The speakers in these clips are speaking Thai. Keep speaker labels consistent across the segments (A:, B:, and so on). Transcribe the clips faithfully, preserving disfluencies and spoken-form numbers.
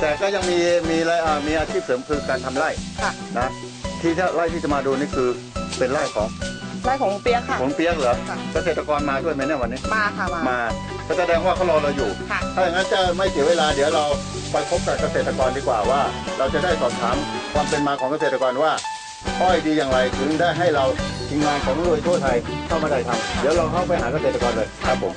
A: แต่ก็ยังมีมีอะไรอ่ามีอาชีพเสริมคือการทำไร่นะที่ไร่ที่จะมาดูนี่คือเป็นไร่ของ
B: ไร่ของเปียกค่ะ
A: ของเปียกเหรอเกษตรกรมาด้วยไหมเนี่ยวันนี้
B: มาค่ะมา
A: มาก็แสดงว่าเขารอเราอยู่ถ้าอย่างนั้นจะไม่เสียเวลาเดี๋ยวเราไปพบกับเกษตรกรดีกว่าว่าเราจะได้สอบถามความเป็นมาของเกษตรกรว่าอ้อยดีอย่างไรถึงได้ให้เราทีมงานของรวยทั่วไทยเข้ามาได้ทำเดี๋ยวเราเข้าไปหาเกษตรกรเลยครับผม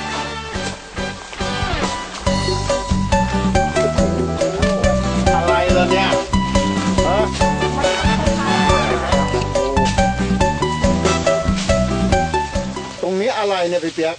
A: อะไรล่ะเนี่ยฮะตรงนี้อะไรเนี่ยพี่เปียก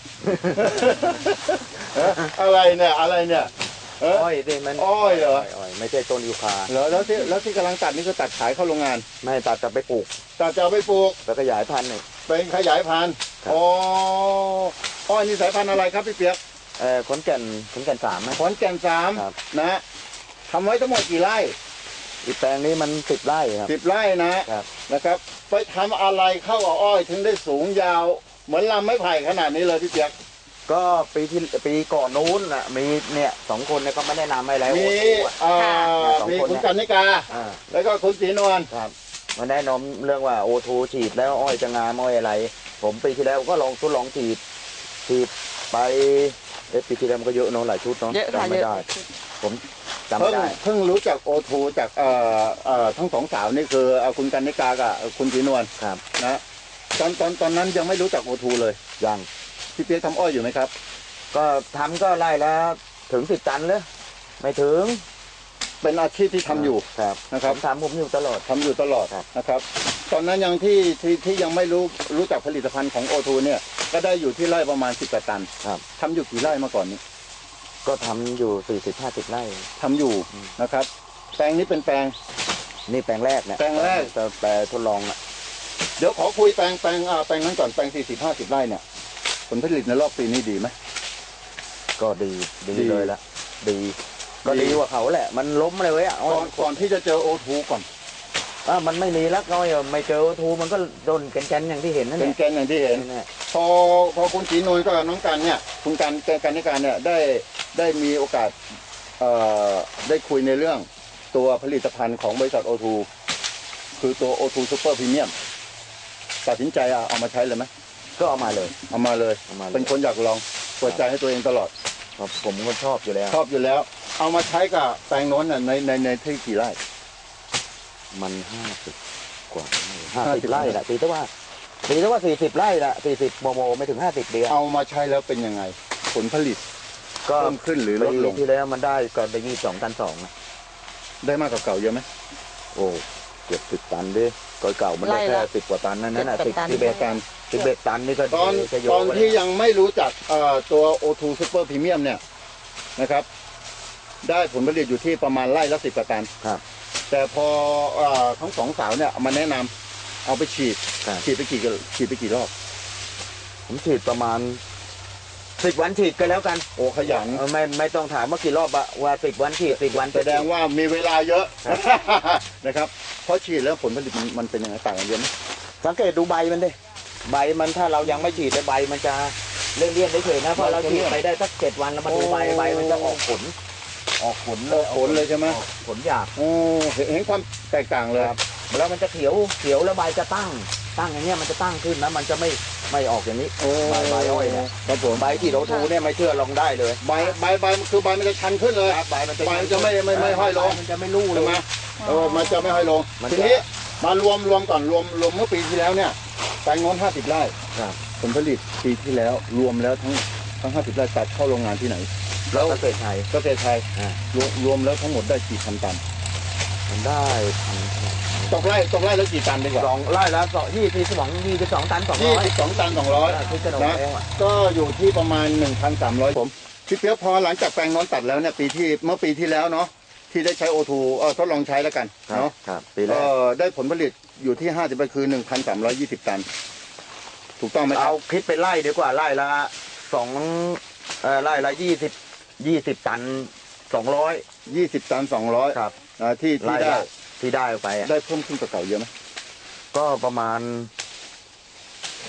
A: อะไรเนี่ยอะไรเนี่ย
C: อ้อยดิมัน
A: อ้อยเหรอ
C: ไม่ใช่ต้นยูคา
A: เหรอแล้วที่แล้วที่กำลังตัดนี่คือตัดขายเข้าโรงงาน
C: ไม่ตัดจะไปปลูก
A: ตัดจะไปปลูก
C: แล้วขยายพันธุ์
A: เป็นขยายพันธุ์อ๋ออ้อยนี่สายพันธุ์อะไรครับพี่เปียก
C: เอ่อขอนแก่นขอนแก่นสาม
A: ขอนแก่นสามนะทำไว้ทั้งหมดกี่ไร่
C: อีแปลงนี้มันสิบไร่ครับ
A: สิบไร่นะนะครับไปทำอะไรเข้ากับอ้อยถึงได้สูงยาวเหมือนลำไม้ไผ่ขนาดนี้เลยพี่เปียก
C: ก็ปีที่ปีก่อนนู้นน่ะมีเนี่ยสองคนเนี่ยเขาไม่แนะนำให้แล้ว
A: มีมีคุณกันนิกาแล้วก็คุณศรีนวล
C: ครับมาแนะนำเรื่องว่าโอทูฉีดแล้วอ้อยจะงามอ้อยอะไรผมปีที่แล้วก็ลองทดลองฉีดฉีดไปเอ๊ะปีที่แล้วมันก็เยอะเนาะหลายชุดเนาะจำไม่ได้ผมจำไม่ได้
A: เพิ่งรู้จักโอทูจากเอ่อเอ่อทั้งสองสาวนี่คือคุณกันนิกากับคุณศรีนวล
C: ครับ
A: นะตอนตอนตอนนั้นยังไม่รู้จักโอทูเลย
C: ยัง
A: พี่เปียกทำอ้อยอยู่ไหมครับ
C: ก็ทำก็ไล่แล้วถึงสิบตันเลยไม่ถึง
A: เป็นอาชีพที่ทำอยู่นะครับ
C: ทำผมอยู่ตลอด
A: ทำอยู่ตลอดนะครับตอนนั้นยังที่ที่ที่ยังไม่รู้รู้จักผลิตภัณฑ์ของโอทูเนี่ยก็ได้อยู่ที่ไร่ประมาณสิบตัน
C: ครับ
A: ทำอยู่กี่ไร่มาก่อนนี้
C: ก็ทำอยู่สี่สิบห้าสิบไร่
A: ทำอยู่นะครับแปลงนี้เป็นแปลง
C: นี่แปลงแรกเนี่ย
A: แปลงแรก
C: แต่แปลงทดลองอ่ะ
A: เดี๋ยวขอคุยแปลงแปลงอ่าแปลงนั้นก่อนแปลงสี่สิบห้าสิบไร่เนี่ยผลผลิตในรอบปีนี้ดีไหม
C: ก็ดีดีเลยละดีก็ดีกว่าเขาแหละมันล้มเลยเว้ย
A: ก่อนก่อนที่จะเจอโอทูก่อน
C: อ่ามันไม่มีแล้วก็ไม่เจอโอทูมันก็โดนแกนๆอย่างที่เห็นนั่นแหละ
A: แกนอย่างที่เห็นพอพอคุณศรีนวลกับน้องกันเนี่ยคุณกันกันนิการเนี่ยได้ได้มีโอกาสเอ่อได้คุยในเรื่องตัวผลิตภัณฑ์ของบริษัทโอทูคือตัวโอทูซูเปอร์พรีเมียมตัดสินใจเอามาใช้เลยไหม
C: ก็เอามาเลย
A: เอามาเลยเป็นคนอยากลองเปิดใจให้ตัวเองตลอด
C: ผมก็ชอบอยู่แล้ว
A: ชอบอยู่แล้วเอามาใช้กับแปลงโน้นในในในที่กี่ไร่
C: มันห้าสิบกว่าห้าสิบไร่แหละตีแต่ว่าตีแต่ว่าสี่สิบไร่ละสี่สิบโมโมไม่ถึงห้าสิบเดียว
A: เอามาใช้แล้วเป็นยังไงผลผลิต
C: ก็
A: เพิ่มขึ้นหรือลดลง
C: ที่แล้วมันได้ก็ได้ยี่สองตันสองนะ
A: ได้มากกว่าเก่าเยอะไหม
C: โอ้เกือบสิบตันดิก่อนเก่ามันได้แค่สิบกว่าตันนั่นน่ะสิบสิบเอ็ดตันสิบเอ็ดตันนี่ก็
A: ตอนตอนที่ยังไม่รู้จักตัวโอทูซูเปอร์พรีเมียมเนี่ยนะครับได้ผลผลิตอยู่ที่ประมาณไร่ละสิบกว่าตัน
C: ครับ
A: แต่พอทั้งสองสาวเนี่ยมาแนะนำเอาไปฉีดฉีดไปกี่ฉีดไปกี่รอบ
C: ผมฉีดประมาณสิบวันฉีดกันแล้วกัน
A: โอ้ขยัน
C: ไม่ไม่ต้องถามว่ากี่รอบอะว่าสิบวันฉีดสิบวัน
A: แสดงว่ามีเวลาเยอะนะครับเพราะฉีดแล้วผลผลิตมันเป็นยังไงต่างกันเยอะไหม
C: สังเกตดูใบมันดิใบมันถ้าเรายังไม่ฉีดใบมันจะเลี่ยนๆเฉยๆนะเพราะเราฉีดไปได้สักเจ็ดวันแล้วมาดูใบใบมันจะออกผลออกผล
A: ออกผลเลยใช่ไหม
C: ผลหยาบ
A: โอ้เห็นความแตกต่างเลย
C: ครับแล้วมันจะเขียวเขียวแล้วใบจะตั้งตั้งอย่างเงี้ยมันจะตั้งขึ้นนะมันจะไม่ไม่ออกอย่างนี้ใบใบอ้อยเนี่ย
A: ครับผม
C: ใบที่โรทูเนี่ยไม่เชื่อลองได้เลย
A: ใบใบใบคือใบมันจะชันขึ้นเลย
C: ใบมันจะ
A: ใบจะไม่ไม่ไม่ห้อยลง
C: มันจะไม่ลู่เลย
A: ใช่ไหมเออมันจะไม่ห้อยลงทีนี้มารวมรวมก่อนรวมรวมเมื่อปีที่แล้วเนี่ยแปลงโน้นห้าสิบไร่ผลผลิตปีที่แล้วรวมแล้วทั้งทั้งห้าสิบไร่ตัดเข้าโรงงานที่ไหน
C: แล้วเกษตรไทย
A: เกษตรไทยรวมรวมแล้วทั้งหมดได้กี่พันตัน
C: มันได้พัน
A: ตกไร่ตกไร่แล้วกี่ตันดีกว่า
C: สองไร่แล้วสองยี่สิบสองยี่สิบสองตันสองร้อย
A: ยี่สิบสองตันสองร้อยนะก็อยู่ที่ประมาณหนึ่งพันสามร้อยผมพี่เปี๊ยกพอหลังจากแปลงโน้นตัดแล้วเนี่ยปีที่เมื่อปีที่แล้วเนาะที่ได้ใช้โอทูเออทดลองใช้แล้วกันเนาะ
C: ครับปีแรก
A: ได้ผลผลิตอยู่ที่ห้าสิบคือหนึ่งพันสามร้อยยี่สิบตันถูกต้องไหม
C: เอาคิดเป็นไร่ดีกว่าไร่ละสองเออไร่ละยี่สิบยี่สิบตันสองร้อย
A: ยี่สิบตันสองร้อย
C: ครับ
A: ที่ที่ได้
C: ที่ได้ไป
A: ได้เพิ่มขึ้นกว่าเก่าเยอะไหม
C: ก็ประมาณตก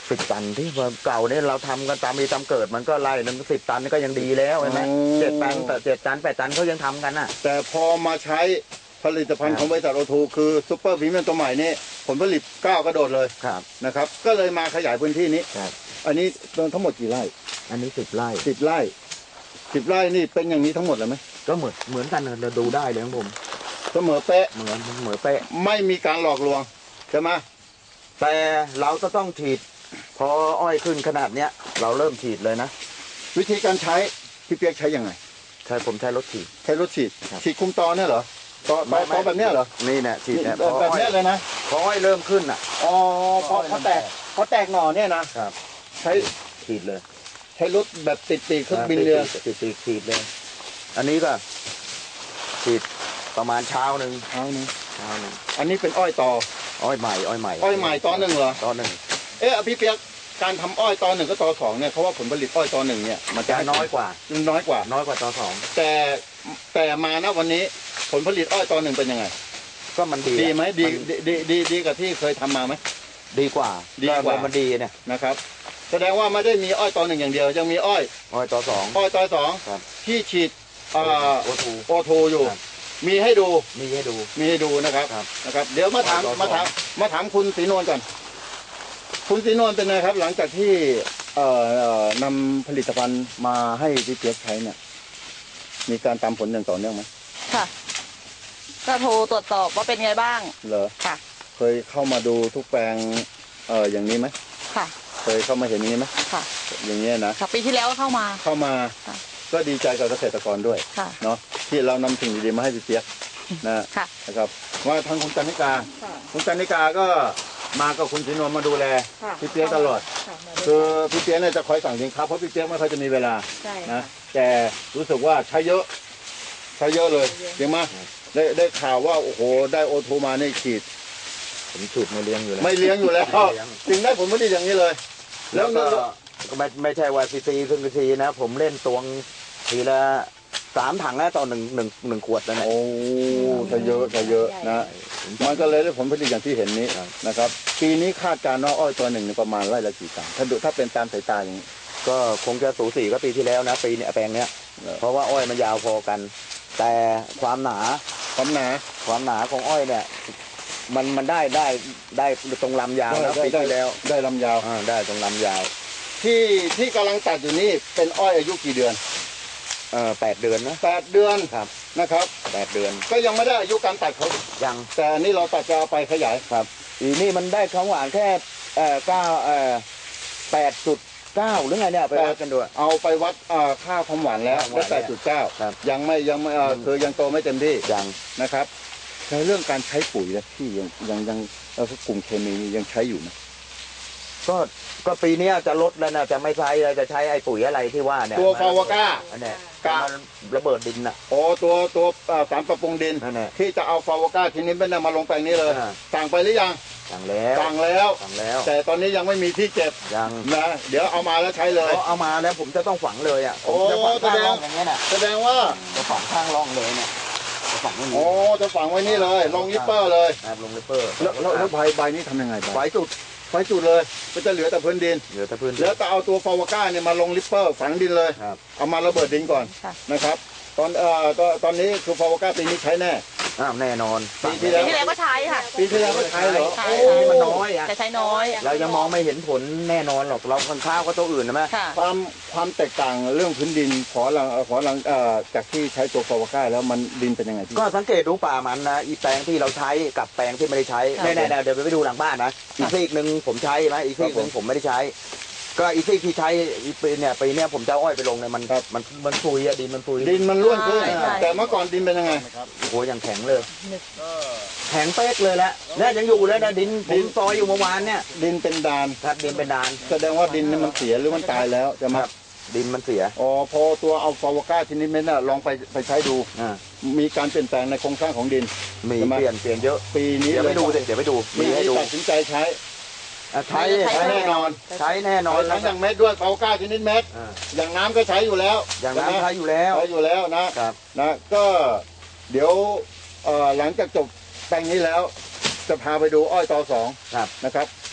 C: สิบตันที่เก่าเนี่ยเราทำกันตามมีตามเกิดมันก็ไล่หนึ่งสิบตันนี่ก็ยังดีแล้วเห็นไหมเจ็ดตันแต่เจ็ดตันแปดตันเขายังทำกันน่ะ
A: แต่พอมาใช้ผลิตภัณฑ์ของบริษัทโอทูคือซูเปอร์พรีเมียมตัวใหม่นี่ผลผลิตก้าวกระโดดเลย
C: ครับ
A: นะครับก็เลยมาขยายพื้นที่นี้
C: ครับ
A: อันนี้ทั้งหมดกี่ไร่
C: อันนี้สิบไร่
A: สิบไร่สิบไร่นี่เป็นอย่างนี้ทั้งหมดเลยไหม
C: ก็เหมือนเหมือนกันเราดูได้เลยของผม
A: เสมอเป๊ะ
C: เหมือนเหมือนเป๊ะ
A: ไม่มีการหลอกลวงใช่ไหม
C: แต่เราก็ต้องฉีดพออ้อยขึ้นขนาดเนี้ยเราเริ่มฉีดเลยนะ
A: วิธีการใช้พี่เปียกใช้ยังไง
C: ใช่ผมใช้รถฉีด
A: ใช้รถฉีดฉีดคุมตอเนี่ยเหรอตอตอตอแบบเนี้ยเหรอ
C: นี่เนี่ยฉีดเนี่ย
A: แบบเนี้ยเลยนะ
C: พออ้อยเริ่มขึ้นอ่ะ
A: อ๋อพอเขาแตกเขาแตกหน่อเนี่ยนะครับใช้
C: ฉีดเลย
A: ใช้รถแบบติดปีกเครื่องบินเรือ
C: ติดปีกฉีดเลยอันนี้ก็ฉีดประมาณเช้าหนึ่ง
A: เช้าหนึ่ง
C: เช้าหนึ่ง
A: อันนี้เป็นอ้อยตอ
C: อ้อยใหม่อ้อยใหม่
A: อ้อยใหม่ตอหนึ่งเหรอ
C: ตอหนึ่ง
A: เอ๊ะพี่เปียกการทำอ้อยตอหนึ่งก็ตอสองเนี่ยเขาว่าผลผลิตอ้อยตอหนึ่งเนี่ยมัน
C: จะน้อยกว่า
A: น้อยกว่า
C: น้อยกว่าตอสอง
A: แต่แต่มาณวันนี้ผลผลิตอ้อยตอหนึ่งเป็นยังไง
C: ก็มันดี
A: ดีไหมดีดีดีดีกับที่เคยทำมาไหม
C: ดีกว่า
A: ดีกว่า
C: มันดีเนี่ย
A: นะครับแสดงว่าไม่ได้มีอ้อยตอหนึ่งอย่างเดียวยังมีอ้อย
C: อ้อยตอสอง
A: อ้อยตอสองที่ฉีดโอทูโอทูอยู่มีให้ดู
C: มีให้ดู
A: มีให้ดูนะครับนะครับเดี๋ยวมาถามมาถามมาถามคุณศรีนวลก่อนคุณศรีนวลเป็นไงครับหลังจากที่เอ่อนำผลิตภัณฑ์มาให้พี่เปียกใช้เนี่ยมีการตามผลอย่างต่อเนื่องไหม
B: ค่ะก็โทรตรวจสอบว่าเป็นไงบ้าง
A: เหรอ
B: ค่ะ
A: เคยเข้ามาดูทุกแปลงเอ่ออย่างนี้ไหม
B: ค่ะ
A: เคยเข้ามาเห็นอย่างนี้ไหม
B: ค่ะ
A: อย่างนี้นะ
B: ค่ะปีที่แล้วก็เข้ามา
A: เข้ามาก็ดีใจกับเกษตรกรด้วยเนาะที่เรานำสิ่งดีๆมาให้พี่เปียกนะนะครับว่าทางคุณจันนิกาคุณจันนิกาก็มากับคุณศรีนวลมาดูแลพี่เปียกตลอดคือพี่เปียกเนี่ยจะคอยสั่งสินค้าเพราะพี่เปียกไม่ค่อยจะมีเวลานะแต่รู้สึกว่าใช้เยอะใช้เยอะเลยจริงไหมได้ได้ข่าวว่าโอ้โหได้โอทูมาในฉีด
C: ผมฉุดไม่เลี้ยงอยู่แล้ว
A: ไม่เลี้ยงอยู่แล้วจึงได้ผลผลิตอย่างนี้เลย
C: แล้วก็ไม่ไม่ใช่ว่าซีซีซึ่งซีนะผมเล่นตวงทีละสามถังแล้วต่อหนึ่งหนึ่งหนึ่งขวดแล้วเนี่ย
A: โอ้ใช้เยอะใช้เยอะนะมันก็เลยได้ผลผลิตอย่างที่เห็นนี้นะครับปีนี้คาดการณ์ว่าอ้อยตัวหนึ่งประมาณไร่ละกี่ตันถ้าดูถ้าเป็นตามสายตาอย่างนี้
C: ก็คงจะสูสีก็ปีที่แล้วนะปีเนี้ยแปลงเนี้ยเพราะว่าอ้อยมันยาวพอกันแต่ความหนา
A: ความหนา
C: ความหนาของอ้อยเนี่ยมันมันได้ได้ได้ตรงลำยาวนะปีที่แล้ว
A: ได้ลำยาว
C: อ่าได้ตรงลำยาว
A: ที่ที่กำลังตัดอยู่นี่เป็นอ้อยอายุกี่เดือน
C: เออแปดเดือนนะ
A: แปดเดือน
C: ครับ
A: นะครับ
C: แปดเดือน
A: ก็ยังไม่ได้อายุการตัดเขา
C: ยัง
A: แต่นี่เราตัดจะเอาไปขยาย
C: ครับอีนี่มันได้ของหวานแค่เอ่อเก้าเอ่อแปดจุดเก้าหรือไงเนี่ยไปวัดกันดู
A: เอาไปวัดค่าความหวานแล้วได้แปดจุดเก้ายังไม่ยังไม่คือยังโตไม่เต็มที่
C: ยัง
A: นะครับในเรื่องการใช้ปุ๋ยนะที่ยังยังยังกลุ่มเคมียังใช้อยู่ไหม
C: ก็ก็ปีนี้จะลดแล้วนะจะไม่ใช้จะใช้ไอ้ปุ๋ยอะไรที่ว่าเนี่ย
A: ตัวฟาวก้า
C: อันนี้การะเบิดดินน่ะ
A: โอ้ตัวตัวสารปรับปรุงดินที่จะเอาฟาวก้าทีนี้เป็นมาลงแปลงนี้เลยสั่งไปหรือยัง
C: สั่งแล้ว
A: สั่งแล้ว
C: สั่งแล้ว
A: แต่ตอนนี้ยังไม่มีที่เก็บ
C: ยัง
A: นะเดี๋ยวเอามาแล้วใช้เลย
C: เอามาแล้วผมจะต้องฝังเลยอ่ะ
A: โอ้แสดงอย่างเงี้ยน่ะแสดงว่า
C: จะฝังข้างร่องเลยเนี่ยจะฝังไว้
A: นี่โอ้จะฝังไว้นี่เลยลงลิปเปอร์เลย
C: ลงลิปเปอร์
A: แล้วแล้วใบใบนี้ทำยังไง
C: ใบจุด
A: ไฟจุดเลยก็จะเหลือแต่พื้นดิน
C: เหลือแต่พื้น
A: แล้วจะเอาตัวฟาวก้าเนี่ยมาลงลิปเปอร์ฝังดินเลยเอามาระเบิดดินก่อนนะครับตอนเอ่อตอนนี้คือฟาวก้าปีนี้ใช้แน่
C: อ้าวแน่นอน
B: ปีที่แล้วก็ใช้ค่ะ
A: ปีที่แล้วก็ใช้เหรอ
B: โอ้
C: มันน้อยอ่ะ
B: จะใช้น้อย
C: เรายังมองไม่เห็นผลแน่นอนหรอกเราคนข้าวก็ตัวอื่นนะแม่
A: ความความแตกต่างเรื่องพื้นดินขอหลังขอหลังเอ่อจากที่ใช้ตัวฟาวก้าแล้วมันดินเป็นยังไงพี่
C: ก็สังเกตดูป่ามันนะอีแปลงที่เราใช้กับแปลงที่ไม่ได้ใช้แน่ๆเดี๋ยวไปดูหลังบ้านนะอีกซีกหนึ่งผมใช้นะอีกซีกหนึ่งผมไม่ได้ใช้ก็อีซี่ที่ใช้ปีเนี่ยปีเนี้ยผมจะอ้อยไปลงเนี่ยมันมันมันฟุยอะดินมันฟุย
A: ดินมันร่วนขึ้นแต่เมื่อก่อนดินเป็นยังไง
C: โอ้ยังแข็งเลยแข็งเป๊กเลยแหละเนี่ยยังอยู่เลยนะดินผมซอยอยู่เมื่อวานเนี่ย
A: ดินเป็นดาน
C: ครับดินเป็นดาน
A: แสดงว่าดินมันเสียหรือมันตายแล้วจะมา
C: ดินมันเสีย
A: อ๋อพอตัวเอาฟาวก้าชนิดนี้น่ะลองไปไปใช้ดูมีการเปลี่ยนแปลงในโครงสร้างของดิน
C: มีเปลี่ยนเปลี่ยนเยอะ
A: ปีนี้
C: เดี๋ยวไปดูเดี๋ยวไปดู
A: มีให้ดูตัดสินใจใช้
C: ใช้
A: ใช้แน่นอน
C: ใช้แน่นอน
A: ทั้งอย่างเม็ดด้วยเปาก้าชนิดเม็ดอย่างน้ำก็ใช้อยู่แล้ว
C: อย่างน้ำใช้อยู่แล้ว
A: ใช้อยู่แล้วนะครับนะก็เดี๋ยวหลังจากจบแปลงนี้แล้วจะพาไปดูอ้อยตอสองนะครับ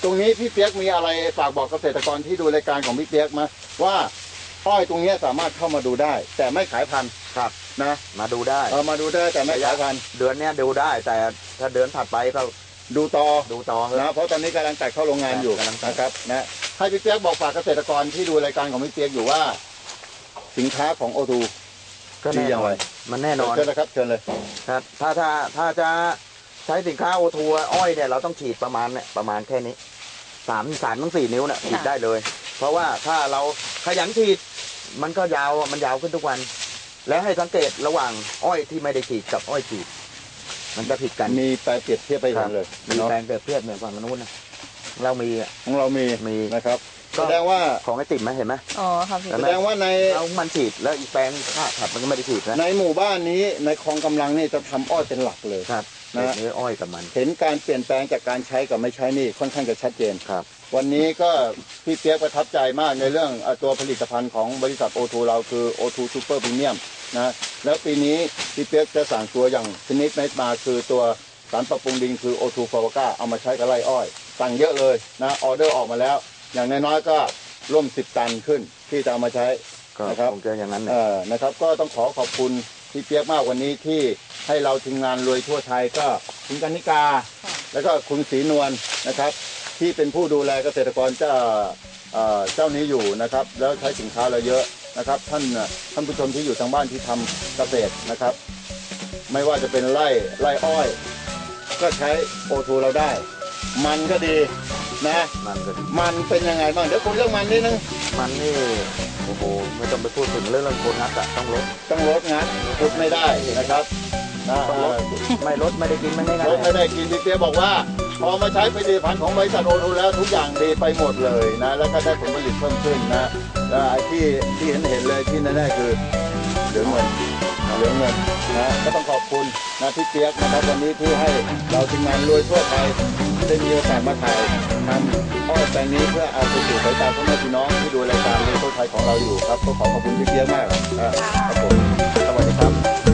A: ตรงนี้พี่เปียกมีอะไรฝากบอกเกษตรกรที่ดูรายการของพี่เปียกมาว่าอ้อยตรงนี้สามารถเข้ามาดูได้ แต่ไม่ขายพันธุ์
C: ครับ
A: นะ
C: มาดูได้
A: เออมาดูได้แต่ไม่ขายพันธุ์
C: เดือนเนี้ยดูได้ แต่ถ้าเดือนถัดไปก็
A: ดูต่อ
C: ดูต่อเถอะ
A: นะเพราะตอนนี้กำลังตัดเข้าโรงงานอยู่
C: กำลังตัด
A: นะครับนะให้พี่เปียกบอกฝากเกษตรกรที่ดูรายการของพี่เปียกอยู่ว่า สินค้าของโอทู
C: ก็แน่นอนมันแน่นอน
A: เชิญเลยครับเชิญเลย
C: ครับถ้าถ้าถ้าจะใช้สินค้าโอทูอ้อยเนี่ยเราต้องฉีดประมาณเนี่ยประมาณแค่นี้สามสามถึงสี่นิ้วเนี่ยฉีดได้เลย เพราะว่าถ้าเราขยันฉีดมันก็ยาวมันยาวขึ้นทุกวัน แล้วให้สังเกตระหว่างอ้อยที่ไม่ได้ฉีดกับอ้อยฉีด มันจะผิดกัน
A: มีแปลเปรียบเทียบไปเห็นเลย
C: มี
A: เนาะ
C: แปลงเปรียบเทียบเหมือนฝั่งนู้นนะเรามีอะ
A: ของเรามี
C: มี
A: นะครับ
C: ก็
A: แสดงว่า
C: ของไอติมไหมเห็นไหม
B: อ๋อครับพี่
C: เห็น
A: แส
C: ไหม
A: ดงว่าใน
C: เรามันฉีดแล้วอีกแปลงข้าถัดมันก็ไม่ได้ฉีดนะ
A: ในหมู่บ้านนี้ในคลองกำลังนี่จะทำอ้อยเป็นหลักเลย
C: ครับ
A: นะ
C: นะนี่อ้อยกับมัน
A: เห็นการเปลี่ยนแปลงจากการใช้กับไม่ใช้นี่ค่อนข้างจะชัดเจน
C: ครับ
A: วันนี้ก็พี่เปียกประทับใจมากในเรื่องเอ่อตัวผลิตภัณฑ์ของบริษัทโอทูเราคือ โอ ทู Super Premium นะแล้วปีนี้พี่เปียกจะสั่งตัวอย่างชนิดเม็ดมาคือตัวสารปรับปรุงดินคือ โอ ทู ฟาวก้าเอามาใช้กับไร่อ้อยสั่งเยอะเลยนะออเดอร์ออกมาแล้ว อย่างน้อยๆก็ร่วมสิบตันขึ้นที่จะเอามาใช้
C: ก็
A: นะครับ
C: คงจะอย่างนั้นแหละ
A: เอ่อนะครับก็ต้องขอขอบคุณพี่เปียกมากวันนี้ที่ให้เราทีมงานรวยทั่วไทยก็คุณกนิกา แล้วก็คุณศรีนวลนะครับ ที่เป็นผู้ดูแลเกษตรกรเจ้าเอ่อเจ้านี้อยู่นะครับ แล้วใช้สินค้าเราเยอะนะครับ ท่านท่านผู้ชมที่อยู่ทางบ้านที่ทำเกษตรนะครับ ไม่ว่าจะเป็นไร่ไร่อ้อย ก็ใช้โอทูเราได้ มันก็ดีนะ
C: มันก็ดี
A: มันเป็นยังไงบ้างเดี๋ยวคุณเรื่องมันนิดนึง
C: มันนี่โอ้โหไม่ต้องไปพูดถึงเรื่องเรื่องโบนัสอะต้องลด
A: ต้องลดงานพุดไม่ได้นะครับนะ
C: ต้องลด ไม่ลดไม่ได้กินไม่ได้ไง
A: รถไม่ได้กินพี่เปียบอกว่า พอมาใช้ผลิตภัณฑ์ของบริษัทโอทูแล้วทุกอย่างดีไปหมดเลยนะ แล้วก็ได้ผลผลิตเพิ่มขึ้นนะแล้วไอ้ที่ที่เห็นเห็นเลยที่แน่ๆคือเหลือเงินเหลือเงินนะก็ต้องขอบคุณนะพี่เปียกนะครับวันนี้ที่ให้เราทีมงานรวยทั่วไทยได้มีโอกาสมาถ่ายทำอ้อยแปลงนี้เพื่อเอาไปสู่สายตาพ่อแม่พี่น้องที่ดูรายการรวยทั่วไทยของเราอยู่ครับก็ขอขอบคุณพี่เปียกมากนะครับผมสวัสดีครับ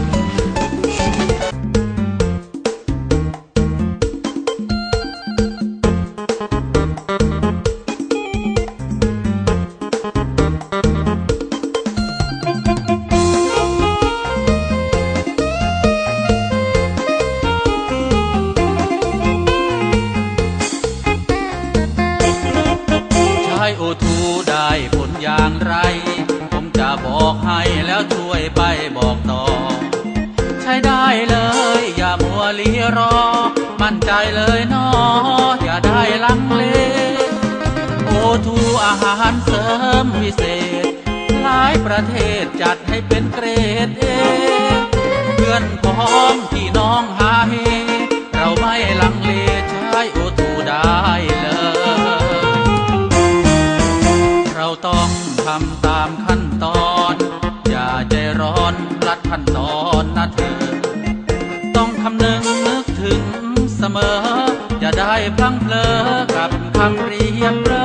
D: ใช้โอทูได้ผลอย่างไร ผมจะบอกให้แล้วช่วยไปบอกต่อ ใช้ได้เลยอย่ามัวลีรอ มั่นใจเลยนออย่าได้ลังเล โอทูอาหารเสริมวิเศษ หลายประเทศจัดให้เป็นเกรดเอ เพื่อนพ้องพี่น้องหาเฮ เราไม่ลังเลใช้โอทูได้เลย เราต้องทำตามขั้นตอน อย่าใจร้อนรัดขั้นตอนนะเธอ ต้องคำนึงนึกถึงเสมอ อย่าได้พลังเพลอกับคำเรียบเร